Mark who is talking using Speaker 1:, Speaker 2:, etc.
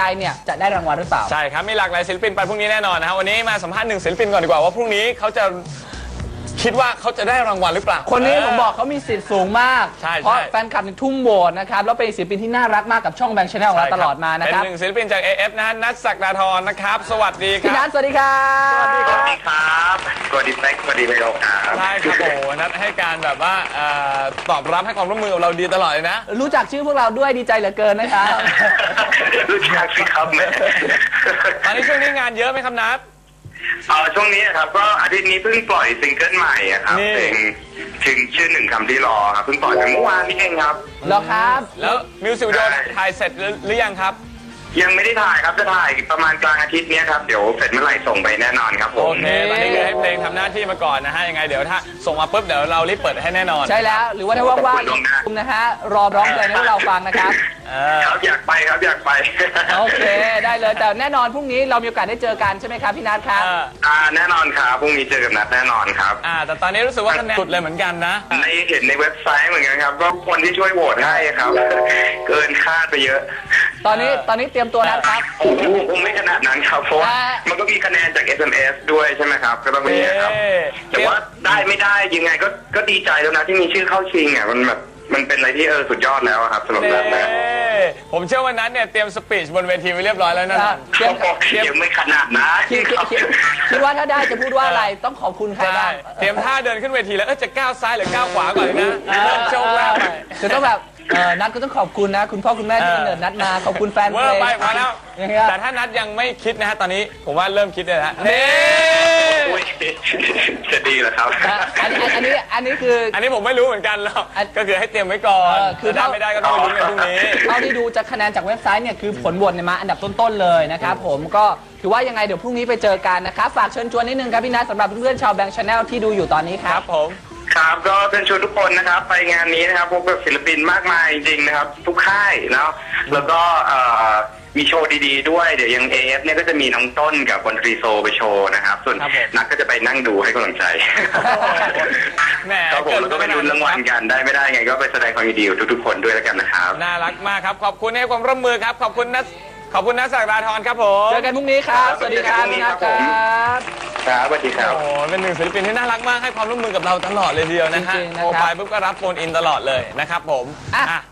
Speaker 1: เนี่ยจะได้รางวัลหรือเปล่า
Speaker 2: ใช่ครับมีหลากหลายศิลปินไปพรุ่งนี้แน่นอนนะครับวันนี้มาสัมภาษณ์หนึ่งศิลปินก่อนดีกว่าว่าพรุ่งนี้เขาจะคิดว่าเขาจะได้รางวัลหรือเปล่า
Speaker 1: คนนี้ผมบอกเขามีสิทธิ์สูงมาก
Speaker 2: ใช่
Speaker 1: เพราะแฟนคลับทุ่มโหวตนะครับแล้วเป็นศิลปินที่น่ารักมากกับช่องแบงค์ชาแนลของเราตลอดมานะครับ
Speaker 2: เป็นหนึ่งศิลปินจาก AF นะฮะนัทศักดาธรนะครับสวัสดีค
Speaker 1: พี่นั
Speaker 2: รั
Speaker 1: ท
Speaker 2: บ
Speaker 1: สวัสดีครับ
Speaker 2: สวัสดีค
Speaker 3: ส
Speaker 2: รับ
Speaker 3: วัสดีครับสวัสดีแม็กสวัสดีไมโลครับ
Speaker 2: ใช่ครับโอ้นัทให้การแบบว่าตอบรับให้ความร่วมมือกับเราดีตลอดเลยนะ
Speaker 1: รู้จักชื่อพวกเราด้วยดีใจเหลือเกินนะครับ
Speaker 3: รู้จักสิครับแม่
Speaker 2: ตอนนี้ช่วงนี้งานเยอะไหมครับนัท
Speaker 3: ช่วงนี้ครับก็อาทิตย์นี้เพิ่งปล่อยซิงเกิลใหม่อะครับ
Speaker 2: นี่
Speaker 3: เพลงถึงชื่อหนึ่งคำที่รอครับเพิ่งปล่อยไปเมื่อวานนี้เองครับ
Speaker 1: เหรอครับ
Speaker 2: แล้วมิวสิกวิดีโอถ่ายเสร็จหรือยังครับ
Speaker 3: ยังไม่ได้ถ่ายครับจะถ่ายประมาณกลางอาทิตย์เนี้ยครับเดี๋ยวเสร็จเมื่อไหร่ส่งไปแน่นอนครับผ
Speaker 2: โอ
Speaker 3: ม
Speaker 2: เคตอนนี้คือให้เพลงทำหน้าที่มาก่อนนะฮะยังไงเดี๋ยวถ้าส่งมาปุ๊บเดี๋ยวเรารีบเปิดให้แน่นอน
Speaker 1: ใช่แล้วหรือว่าถ้าว่างๆนะฮะรอร้องเพลงให้พวกเราฟังนะครับ
Speaker 3: ครับอยากไปครับอยากไป
Speaker 1: โอเคได้เลยแต่แน่นอนพรุ่งนี้เรามีโอกาสได้เจอกันใช่ไหมครับพี่นัทครับ
Speaker 3: แน่นอนครับพรุ่งนี้เจอกับนัดแน่นอนครับ
Speaker 2: แต่ตอนนี้รู้สึกว่าคะแนนสุดเลยเหมือนกันนะ
Speaker 3: เห็นในเว็บไซต์เหมือนกันครับก็คนที่ช่วยโหวตให้ครับ เกินคาดไปเยอะ
Speaker 1: ตอนนี้เตรียมตัวแล้วครับ
Speaker 3: โอ้โหคงไม่ขนาดนั้นครับเพราะว่ามันก็มีคะแนนจาก SMS ด้วยใช่ไหมครับก็ต้องมีครับ แต่ว่าได้ไม่ได้ยังไงก็ดีใจแล้วนะที่มีชื่อเข้าชิงอ่ะมันเป็นอะไรที่สุดยอดแล้วอะครับสำหรับนัทนะ
Speaker 2: ผมเชื่อว่านั้นเนี่ยเตรียมสปีชบนเวทีไว้เรียบร้อยแล้วนะ
Speaker 3: ยังไม่ขนาดนะ
Speaker 1: คิดว่าถ้าได้จะพูดว่าอะไรต้องขอบคุณใครบ้าง
Speaker 2: เตรียมท่าเดินขึ้นเวทีแล้วจะก้าวซ้ายหรือก้าวขวาก่อนนะเริ่มโชว์แรก
Speaker 1: คือต้องแบบนัทก็ต้องขอบคุณนะคุณพ่อคุณแม่ที่กำเนิดนัทมาขอบคุณแฟนเพ
Speaker 2: เว
Speaker 1: ล
Speaker 2: อร์
Speaker 1: ง
Speaker 2: ไปพอแล้ว
Speaker 1: อย่างเงี้ย
Speaker 2: แต่ถ้านัดยังไม่คิดนะฮะตอนนี้ผมว่าเริ่มคิดเลยนะนี่
Speaker 3: จะดีเหรอครับ
Speaker 1: อันนี้คือ
Speaker 2: อันนี้ผมไม่รู้เหมือนกันหรอกก็คือให้เตรียมไว้ก่อนคือได้ไม่ได้ก็ต้องไปลุ้นกันพรุ่งนี้
Speaker 1: เท่าที่ดูจากคะแนนจากเว็บไซต์เนี่ยคือผลโหวตเนี่ยมาอันดับต้นๆเลยนะครับผมก็ถือว่ายังไงเดี๋ยวพรุ่งนี้ไปเจอกันนะครับฝากเชิญชวนนิดนึงครับพี่นัทสำหรับเพื่อนๆชาวแบงค์ชาแนลที่ดูอยู่ตอนนี้ค
Speaker 2: ค
Speaker 1: รั
Speaker 2: รับ บผม
Speaker 3: ครับก็เชิญชวนทุกคนนะครับไปงานนี้นะครับพบกับศิลปินมากมายจริงๆนะครับทุกค่ายเนาะแล้วก็มีโชว์ดีๆด้วยเดี๋ยวยัง AF เนี่ยก็จะมีน้องต้นกับบนตรีโซไปโชว์นะครับส่วนนักก็จะไปนั่งดูให้กำลังใจ
Speaker 2: แหม
Speaker 3: ครับผมแล้วก็ไปลุ้นรางวัลกันได้ไม่ได้ไงก็ไปแสดงความยินดีกับทุกๆคนด้วยแล้วกันนะครับ
Speaker 2: น่ารักมากครับขอบคุณให้ความร่วมมือครับขอบคุณนัทศักดาธรครับผม
Speaker 1: เจอกันพรุ่งนี้ครับสวัสดีครับพี่นัทครับ
Speaker 3: ครับสวัสดีครับ
Speaker 2: โอ้เป็นหนึ่งศิลปินที่น่ารักมากให้ความร่วมมือกับเราตลอดเลยทีเดียวนะฮะ
Speaker 1: จริงๆนะครับ
Speaker 2: โทรไปปุ๊บก็รับโฟนอินตลอดเลยนะครับผม